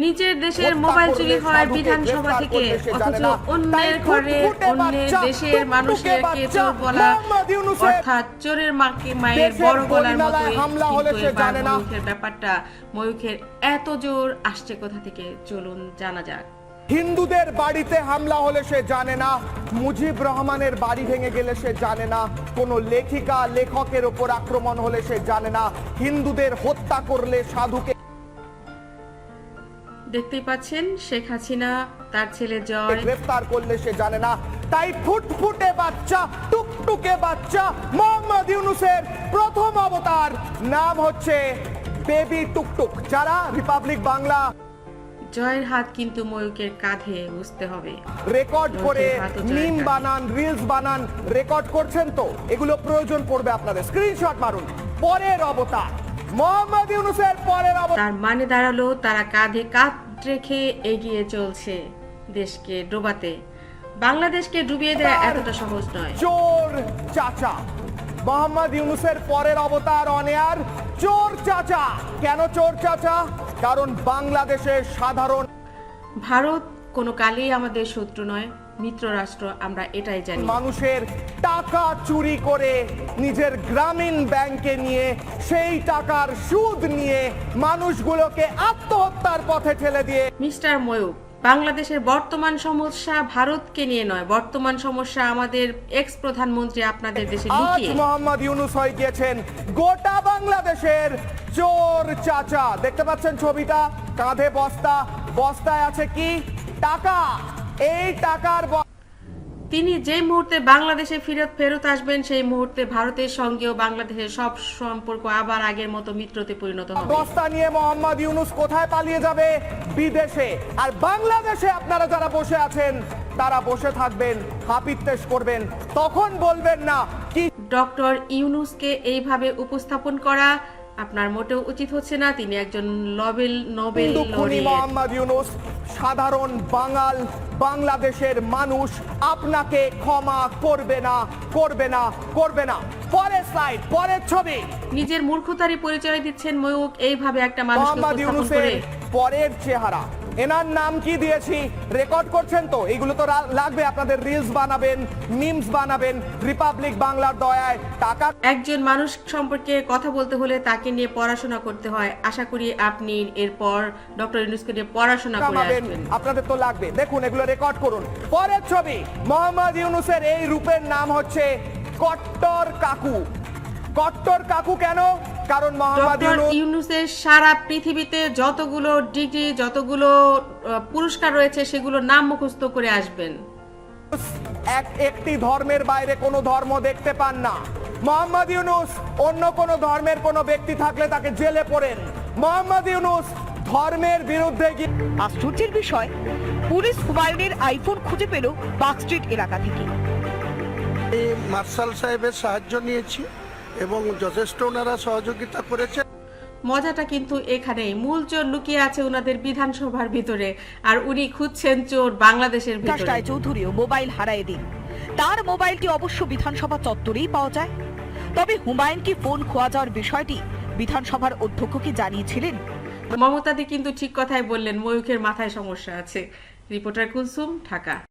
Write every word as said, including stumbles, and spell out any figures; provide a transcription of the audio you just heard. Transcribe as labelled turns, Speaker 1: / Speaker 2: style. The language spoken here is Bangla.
Speaker 1: নিজের দেশের মোবাইল চুরি হয় বিধানসভা থেকে, অথচ অন্যের ঘরে অন্যের দেশের মানুষকে চোর বলা, অর্থাৎ চোরের মাকে মায়ের বড় গলার মতোই। কিন্তু এবার ময়ূখের ব্যাপারটা, ময়ূখের এত জোর আসছে কোথা থেকে, চলুন জানা যাক।
Speaker 2: হিন্দুদের বাড়িতে হামলা হলে সে জানে না, মুজিব রহমানের বাড়ি ভেঙে গেলে সে জানে না, কোনো লেখিকা লেখকের ওপর আক্রমণ হলে সে জানে না, হিন্দুদের হত্যা করলে সাধুকে।
Speaker 1: দেখতেই পাচ্ছেন শেখ হাসিনা তার ছেলে জয়
Speaker 2: গ্রেফতার করলে সে জানে না। তাই ফুটফুটে বাচ্চা, টুকটুকে বাচ্চা মোহাম্মদ ইউনূসের প্রথম অবতার নাম হচ্ছে বেবি টুকটুক। যারা রিপাবলিক বাংলা,
Speaker 1: জয়ের হাত কিন্তু ময়ূকের কাঁধে, বুঝতে হবে।
Speaker 2: রেকর্ড করে মিম বানান, রিলস বানান, রেকর্ড করছেন তো, এগুলো প্রয়োজন পড়বে আপনাদের, স্ক্রিনশট মারুন। পরের অবতার মোহাম্মদ ইউনূসের পরের অবতার।
Speaker 1: তার মানে দাঁড়ালো তারা কাঁধে কাঁধ রেখে এগিয়ে চলছে দেশকে ডোবাতে। বাংলাদেশকে ডুবিয়ে দেওয়া এতটা সহজ নয়।
Speaker 2: চোর চাচা মোহাম্মদ ইউনূসের পরের অবতার অনেয়ার চোর চাচা। কেন চোর চাচা? কারণ বাংলাদেশের সাধারণ,
Speaker 1: ভারত কোনো কালেই আমাদের শত্রু নয়, মিত্র রাষ্ট্র, আমরা এটাই জানি।
Speaker 2: মানুষের টাকা চুরি করে নিজের গ্রামীণ ব্যাংকে নিয়ে সেই টাকার সুদ নিয়ে মানুষগুলোকে আত্মহত্যার পথে ঠেলে দিয়ে।
Speaker 1: মিস্টার ময়ূক, বাংলাদেশের বর্তমান সমস্যা ভারতকে নিয়ে নয়, বর্তমান সমস্যা আমাদের এক্স প্রধানমন্ত্রী আপনাদের দেশে লুকিয়ে।
Speaker 2: আজ মোহাম্মদ ইউনূস হয়ে গিয়েছেন গোটা বাংলাদেশের চোর চাচা। দেখতে পাচ্ছেন ছবিটা, কাঁধে বস্তা, বস্তায় আছে কি? টাকা। এই টাকার
Speaker 1: তিনি যে মুহূর্তে বাংলাদেশে ফেরত ফেরত আসবেন, সেই মুহূর্তে ভারতের সঙ্গেও বাংলাদেশের সব সম্পর্ক আবার আগের মতো মিত্রতে পরিণত হবে।
Speaker 2: বস্তা নিয়ে মোহাম্মদ ইউনূস কোথায় পালিয়ে যাবে? বিদেশে। আর বাংলাদেশে আপনারা যারা বসে আছেন তারা বসে থাকবেন, হাপিত্তেশ করবেন, তখন বলবেন না কি।
Speaker 1: ডক্টর ইউনূসকে এইভাবে উপস্থাপন করা আপনার মোটেও উচিত হচ্ছে না। তিনি একজন Nobel Nobel laureate.
Speaker 2: Mohammad Yunus সাধারণ বাঙাল বাংলাদেশের মানুষ আপনাকে ক্ষমা করবে না, করবে না, করবে না। পরের স্লাইড, পরের ছবি।
Speaker 1: নিজের মূর্খতারই পরিচয় দিচ্ছেন ময়ূক এইভাবে একটা মানুষকে
Speaker 2: মোহাম্মদ
Speaker 1: উপস্থাপন
Speaker 2: ইউনূসের
Speaker 1: করে।
Speaker 2: পরের চেহারা, এনার নাম কি দিয়েছি রেকর্ড করছেন তো, এগুলো তো লাগবে আপনাদের, রিলস বানাবেন, মিমস বানাবেন। রিপাবলিক বাংলার দয়ায় টাকা।
Speaker 1: একজন মানুষ সম্পর্কে কথা বলতে হলে তাকে নিয়ে পড়াশোনা করতে হয়। আশা করি আপনি এরপর ডক্টর ইউনূসকে নিয়ে পড়াশোনা করে আসবেন।
Speaker 2: আপনাদের তো লাগবে, দেখুন এগুলো রেকর্ড করুন। পরের ছবি, মোহাম্মদ ইউনূসের এই রূপের নাম হচ্ছে কট্টর কাকু। কট্টর কাকু কেন? কারণ মোহাম্মদ
Speaker 1: ইউনূসের সারা পৃথিবীতে যতগুলো ডিগ্রি, যতগুলো পুরস্কার রয়েছে সেগুলো নাম মুখস্থ করে আসবেন।
Speaker 2: এক একটি ধর্মের বাইরে কোনো ধর্ম দেখতে পান না। মোহাম্মদ ইউনূস অন্য কোনো ধর্মের কোনো ব্যক্তি থাকলে তাকে জেলে পড়েন। মোহাম্মদ ইউনূস ধর্মের বিরুদ্ধে গিয়ে।
Speaker 3: আশ্চর্যের বিষয়, পুলিশ হুমায়ুনের আইফোন খুঁজে পেল পার্ক স্ট্রিট এলাকা থেকে।
Speaker 4: মার্শাল সাহেবের সাহায্য নিয়েছি এবং যথেষ্ট ওনারা সহযোগিতা করেছে।
Speaker 1: মজাটা কিন্তু এখানেই, মূল চোর লুকিয়ে আছে ওনাদের বিধানসভার ভিতরে, আর উনি খুঁজছেন চোর বাংলাদেশের ভিতরে।
Speaker 3: রায় চৌধুরীও মোবাইল হারায় দিন, তার মোবাইলটি অবশ্য বিধানসভা চত্বরেই পাওয়া যায়। তবে হুমায়ুন কি ফোন খোয়া যাওয়ার বিষয়টি বিধানসভার অধ্যক্ষকে জানিয়েছিলেন?
Speaker 1: মমতাদি কিন্তু ঠিক কথাই বললেন, ময়ূখের মাথায় সমস্যা আছে। রিপোর্টার কুলসুম, ঢাকা।